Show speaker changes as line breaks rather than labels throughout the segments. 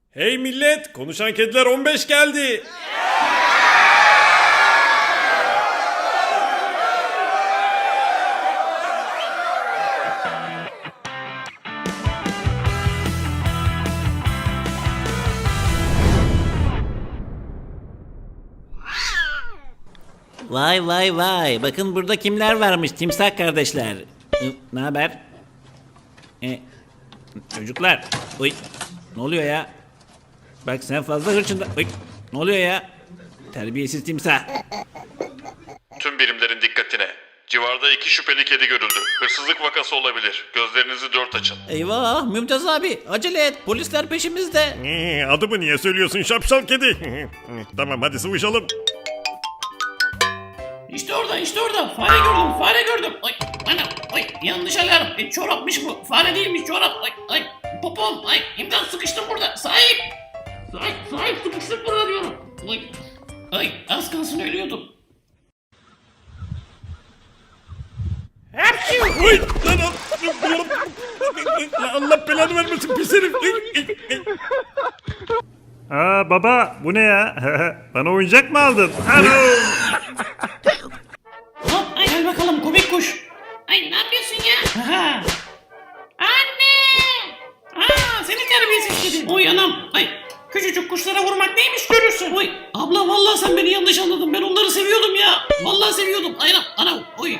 Hey millet, konuşan kediler 15 geldi.
Vay vay vay. Bakın burada kimler varmış timsah kardeşler. Ne haber? Çocuklar. Oy. Ne oluyor ya? Bak sen fazla hırçında. Oy. Ne oluyor ya? Terbiyesiz timsah.
Tüm birimlerin dikkatine. Civarda 2 şüpheli kedi görüldü. Hırsızlık vakası olabilir. Gözlerinizi dört açın.
Eyvah Mümtaz abi acele et. Polisler peşimizde.
Adımı niye söylüyorsun şapşal kedi? Tamam hadi sıvışalım.
İşte orada fare gördüm. Ay anam yanlış alarm. Çorapmış bu. Fare değilmiş çorap. Ay popom. Ay imdat sıkıştım burada. Sahip sıkıştım burada diyorum. Ay az kalsın ölüyordum.
Oy lan Allah belanı vermesin pis herif. Aa baba bu ne ya? Bana oyuncak mı aldın? Alo.
Hop ay gel bakalım komik kuş. Ay ne yapıyorsun ya? Aha. Anne. Seni terbiyesiz kedi. Oy anam. Ay küçücük kuşlara vurmak neymiş görürsün. Oy abla vallahi sen beni yanlış anladın. Ben onları seviyordum ya. Vallahi seviyordum. Ay anam. Oy.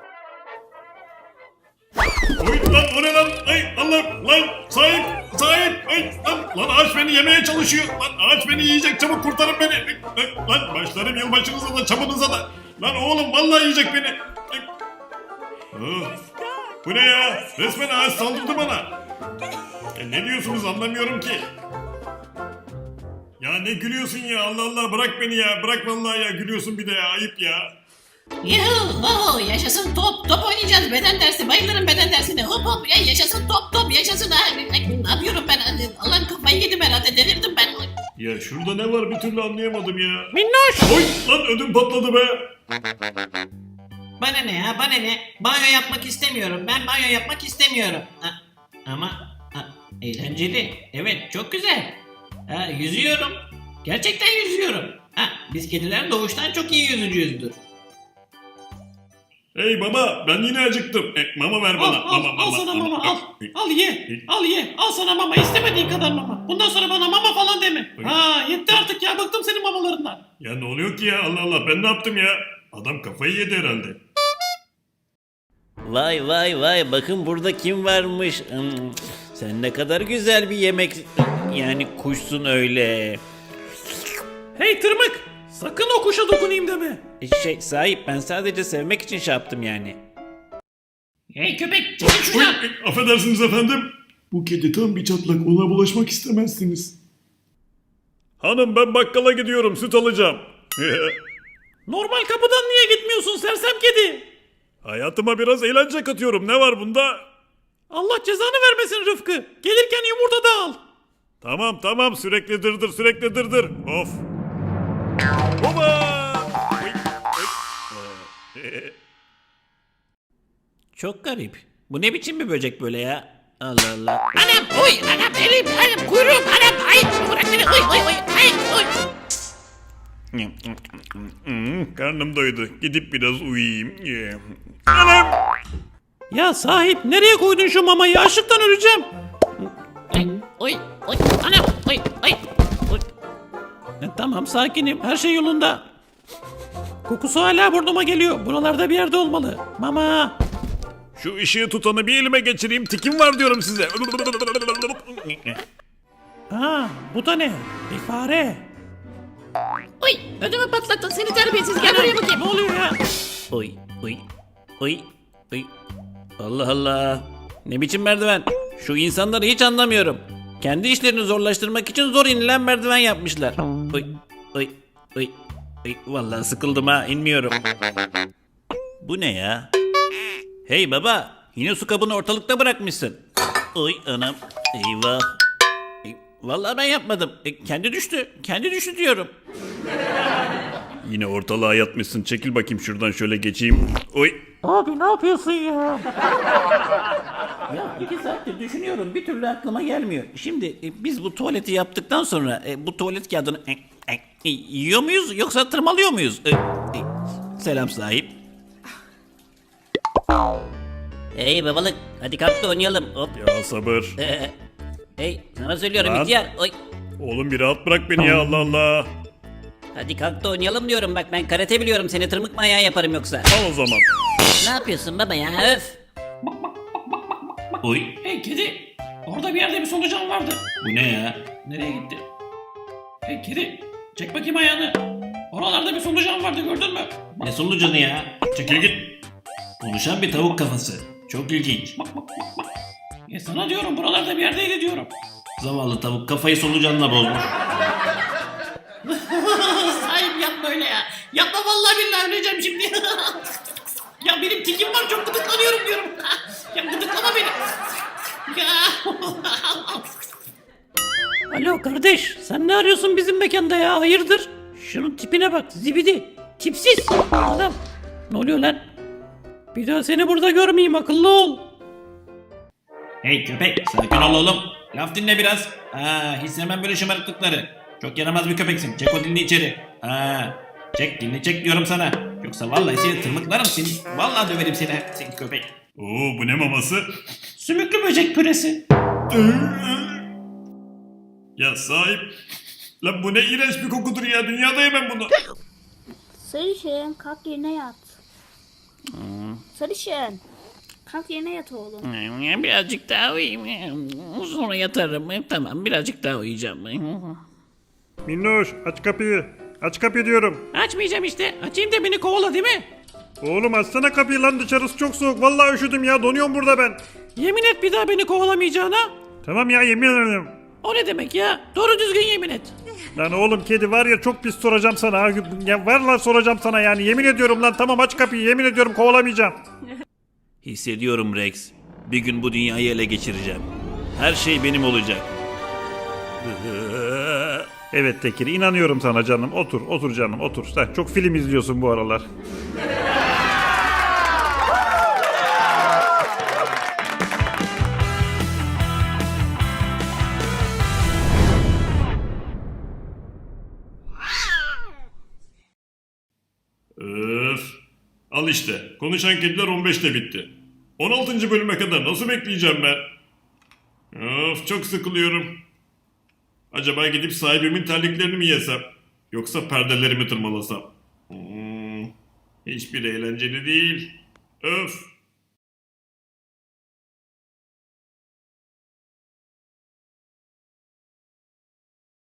Oy lan o ne lan? Ay Allah lan sahip. Ay lan ağaç beni yemeye çalışıyor. Lan ağaç beni yiyecek çabuk kurtarın beni. Lan başlarım yılbaşınıza da çamınıza da. Lan oğlum vallahi yiyecek beni. Bu ne ya? Resmen ağaç saldırdı bana. Ne diyorsunuz anlamıyorum ki. Ya ne gülüyorsun ya Allah Allah bırak beni ya. Bırak vallahi ya gülüyorsun bir de ya ayıp ya.
Yuhu yaşasın top oynayacağız beden dersi bayılırım beden dersine hop ya yaşasın top yaşasın ne yapıyorum ben Allah'ım kafayı yedim herhalde delirdim ben.
Ya şurada ne var bir türlü anlayamadım ya.
Minnoş.
Oy lan ödüm patladı be.
Bana ne banyo yapmak istemiyorum ben banyo yapmak istemiyorum ama eğlenceli evet çok güzel yüzüyorum gerçekten yüzüyorum biz kediler doğuştan çok iyi yüzücüyüzdür.
Hey baba ben yine acıktım. Mama ver bana.
Al sana mama al ye al sana mama istemediğin kadar mama bundan sonra bana mama falan deme. Yetti artık ya bıktım senin mamalarından.
Ya ne oluyor ki ya Allah Allah ben ne yaptım ya? Adam kafayı yedi herhalde.
Vay vay vay. Bakın burada kim varmış. Sen ne kadar güzel bir yemek. Yani kuşsun öyle.
Hey tırmık sakın o kuşa dokunayım deme.
Sahip ben sadece sevmek için şey yaptım yani.
Hey köpek çekil
Oy,
şuradan.
affedersiniz efendim. Bu kedi tam bir çatlak ona bulaşmak istemezsiniz. Hanım ben bakkala gidiyorum süt alacağım.
Normal kapıdan niye gitmiyorsun sersem kedi?
Hayatıma biraz eğlence katıyorum ne var bunda?
Allah cezanı vermesin Rıfkı. Gelirken yumurta da al.
Tamam sürekli dırdır. Of. Baba.
Çok garip. Bu ne biçim bir böcek böyle ya? Allah Allah.
Anam elim kuyruğum anam ay bırak beni ay
Karnım doydu. Gidip biraz uyuyayım. Anam.
Ya sahip nereye koydun şu mamayı açlıktan öleceğim. Oy anam oy. Tamam sakinim her şey yolunda. Kokusu hala burnuma geliyor. Buralarda bir yerde olmalı. Mama.
Şu ışığı tutanı bir elime geçireyim. Tikim var diyorum size.
Bu da ne? Bir fare.
Oy ödümü patlattın seni terbiyesiz gel buraya bakayım.
Ne oluyor ya?
Oy. Allah Allah. Ne biçim merdiven? Şu insanları hiç anlamıyorum. Kendi işlerini zorlaştırmak için zor inilen merdiven yapmışlar. Oy. Vallahi sıkıldım ha inmiyorum. Bu ne ya? Hey baba, yine su kabını ortalıkta bırakmışsın. Oy anam, eyvah. Vallahi ben yapmadım. Kendi düştü diyorum.
Yine ortalığa yatmışsın. Çekil bakayım şuradan şöyle geçeyim. Oy.
Abi ne yapıyorsun ya?
Ya 2 saattir düşünüyorum bir türlü aklıma gelmiyor. Şimdi biz bu tuvaleti yaptıktan sonra bu tuvalet kağıdını yiyor muyuz yoksa tırmalıyor muyuz? Selam sahip.
Hey babalık hadi kalk da oynayalım. Hop.
Ya sabır.
Hey sana söylüyorum
Lan.
ihtiyar. Oy.
Oğlum bir rahat bırak beni ya, Allah Allah.
Hadi kalk da oynayalım diyorum bak ben karate biliyorum seni tırmık manyağı yaparım yoksa.
Al o zaman.
Ne yapıyorsun baba ya öf.
Oy.
Hey kedi. Orada bir yerde bir solucan vardı.
Bu ne ya?
Nereye gitti? Hey kedi. Çek bakayım ayağını. Oralarda bir solucan vardı gördün mü?
Ne solucanı ya? Çekil git. Konuşan bir tavuk kafası. Çok ilginç.
Sana diyorum buralarda bir yerdeydi diyorum.
Zavallı tavuk kafayı solucanla bozmuş.
Sahip yapma öyle ya. Yapma vallahi billahi öleceğim şimdi. Ya benim tikim var çok gıdıklanıyorum diyorum. Ya gıdıklama beni. Ya.
Alo kardeş sen ne arıyorsun bizim mekanda ya hayırdır? Şunun tipine bak zibidi. Tipsiz adam. Ne oluyor lan? Bir daha seni burada görmeyeyim akıllı ol.
Hey köpek sakin ol oğlum. Laf dinle biraz. Hiç sevmem böyle şımarıklıkları. Çok yaramaz bir köpeksin. Çek o dilini içeri. Çek dilini çek diyorum sana. Yoksa vallahi seni tırmıklarım seni. Vallahi döverim seni köpek.
Oo, bu ne maması?
Sümüklü böcek püresi.
Ya sahip. Lan bu ne iğrenç bir kokudur ya. Dünyada yemem bunu.
Sarışın kalk yerine yat. Sarışın kalk yerine yat oğlum.
Birazcık daha uyuyayım. Sonra yatarım. Tamam birazcık daha uyuyacağım.
Minnoş aç kapıyı. Aç kapıyı diyorum.
Açmayacağım işte. Açayım da beni kovala değil mi?
Oğlum açsana kapıyı lan, dışarısı çok soğuk. Vallahi üşüdüm ya, donuyorum burada ben.
Yemin et bir daha beni kovalamayacağına.
Tamam ya, yemin ederim.
O ne demek ya? Doğru düzgün yemin et.
Lan oğlum kedi var ya, çok pis soracağım sana. Ha. Ya var lan soracağım sana yani. Yemin ediyorum lan, tamam aç kapıyı, yemin ediyorum kovalamayacağım.
Hissediyorum Rex. Bir gün bu dünyayı ele geçireceğim. Her şey benim olacak.
Evet Tekir, inanıyorum sana canım. Otur, otur canım, otur. Sen çok film izliyorsun bu aralar.
Öf. Al işte. Konuşan kediler 15'te bitti. 16. bölüme kadar nasıl bekleyeceğim ben? Of, çok sıkılıyorum. Acaba gidip sahibimin terliklerini mi yesem? Yoksa perdelerimi tırmalasam? Hiçbir eğlenceli değil. Öf.